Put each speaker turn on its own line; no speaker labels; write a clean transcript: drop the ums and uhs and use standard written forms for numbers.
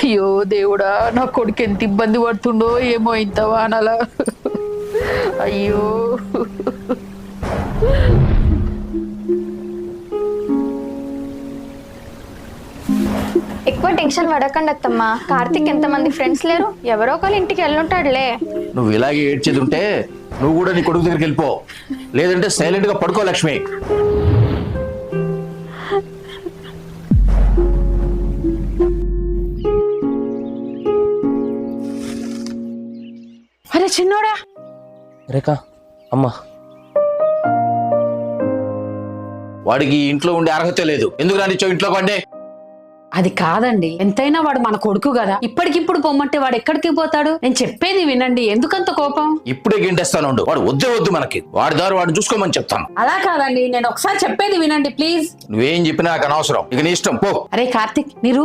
అయ్యో దేవుడా, నా కొడుకు ఎంత ఇబ్బంది పడుతుండో ఏమో ఇంత వానలా. అయ్యో
ఎక్కువ టెన్షన్ పడకండి అత్తమ్మ. కార్తిక్ ఎంతమంది ఫ్రెండ్స్ లేరు, ఎవరో ఒకరు ఇంటికి వెళ్ళుంటాడులే.
నువ్వు ఇలాగే ఏడ్చేది ఉంటే నువ్వు కూడా నీ కొడుకు దగ్గరికి వెళ్ళిపో, లేదంటే సైలెంట్ గా పడుకో లక్ష్మి.
అరే చిన్నోడా,
రేఖా అమ్మా, వాడికి ఇంట్లో ఉండే అర్హత లేదు, ఎందుకు రానిచ్చో ఇంట్లో కంటే.
అది కాదండి, ఎంతైనా వాడు మన కొడుకు కదా. ఇప్పటికిప్పుడు పొమ్మంటే వాడు ఎక్కడికి పోతాడు? నేను చెప్పేది వినండి, ఎందుకంత కోపం?
ఇప్పుడే గింటేస్తాను, వాడు వద్దే వద్దు మనకి, వాడి దారి వాడిని చూసుకోమని చెప్తాను.
అలా కాదండి, నేను ఒకసారి చెప్పేది వినండి ప్లీజ్.
నువ్వేం చెప్పినా నాకు అనవసరం, ఇక నీ ఇష్టం పో.
అరే కార్తిక్, నీ